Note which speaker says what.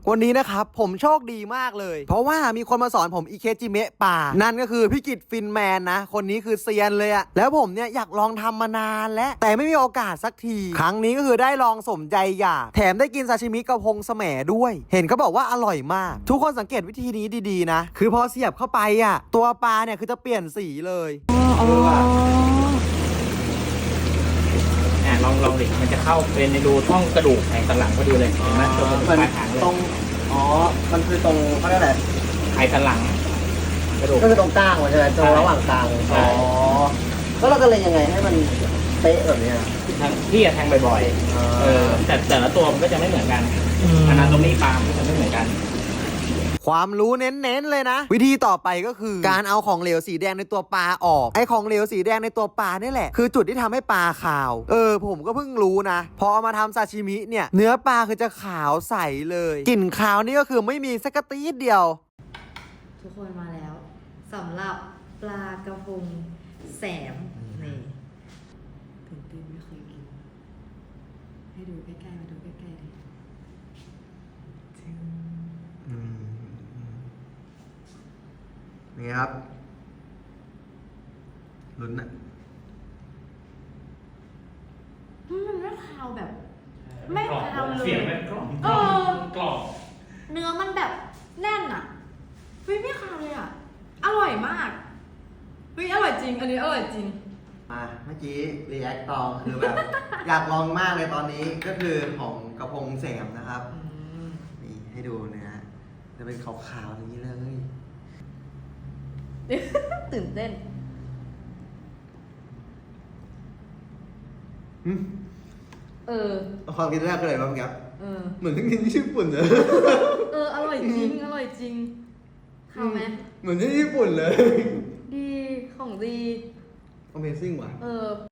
Speaker 1: วันนี้นะครับผมโชคดีมากเลยเพราะว่ามีคนมาสอนผมอิเคจิเมะป่านั่นก็คือพี่กิตฟินแมนนะคนนี้คือเซียนเลยอะแล้วผมเนี่ยอยากลองทำมานานแล้วแต่ไม่มีโอกาสสักทีครั้งนี้ก็คือได้ลองสมใจอยากแถมได้กินซาชิมิกระพงแสมด้วยเห็นเขาบอกว่าอร่อยมากทุกคนสังเกตวิธีนี้ดีๆนะคือพอเสียบเข้าไปอะตัวปลาเนี่ยคือจะเปลี่ยนสีเลย
Speaker 2: ลองดิมันจะเข้าเป็นในรูช่องกระดูกแผงสันหลังพอดีเลยเห็นไหมตรงปลายหางเลย
Speaker 1: ตรงมันคือตรงเขาเรียกอะไร
Speaker 2: ไขสันหลังกระดูก
Speaker 1: ก็คือตรงกลางใช่ไหมตรงระหว่างกลางแล้วเราจะเล่นยังไงให้มันเป๊ะแบบนี้
Speaker 2: พี่จะแทงบ่อยๆแต่ละตัวมันก็จะไม่เหมือนกันอนาโตมีปลามันจะไม่เหมือนกัน
Speaker 1: ความรู้เน้นๆเลยนะวิธีต่อไปก็คือการเอาของเหลวสีแดงในตัวปลาออกไอ้ของเหลวสีแดงในตัวปลานี่แหละคือจุดที่ทำให้ปลาขาวผมก็เพิ่งรู้นะพอเอามาทำซาชิมิเนี่ยเนื้อปลาคือจะขาวใสเลยกลิ่นขาวนี่ก็คือไม่มีสักกระตีดเดียว
Speaker 3: ทุกคนมาแล้วสำหรับปลากระพงแสมนี่ตื่นเต้นไม่เคยกินให้ดูใกล้ๆมาดูใกล้ๆดิ
Speaker 1: นี่ครับลุ้นอะ
Speaker 3: มันไม่คาวแบบไม่คาวเลย
Speaker 2: เสียงมันกรอบกรอบ
Speaker 3: เนื้อมันแบบแน่นอ่ะเฮ้ยไม่คาวเลยอ่ะอร่อยมากเฮ้ยอร่อยจริงอันนี้อร่อยจริง
Speaker 1: เมื่อกี้รีแอคตองคือแบบ อยากลองมากเลยตอนนี้ก็คือของกระพงแสมนะครับนี่ให้ดูเนื้อจะเป็นขาวๆอย่างนี้เลย
Speaker 3: ตื่นเต้น
Speaker 1: ความคิดแรกเลยบ้างครับเหมือนที่กินที่ญี่ปุ่นเลย
Speaker 3: อร่อยจริงอร่อยจริงข้าวไหม
Speaker 1: เหมือนที่ญี่ปุ่นเลย
Speaker 3: ดีของดี
Speaker 1: Amazing ว่ะ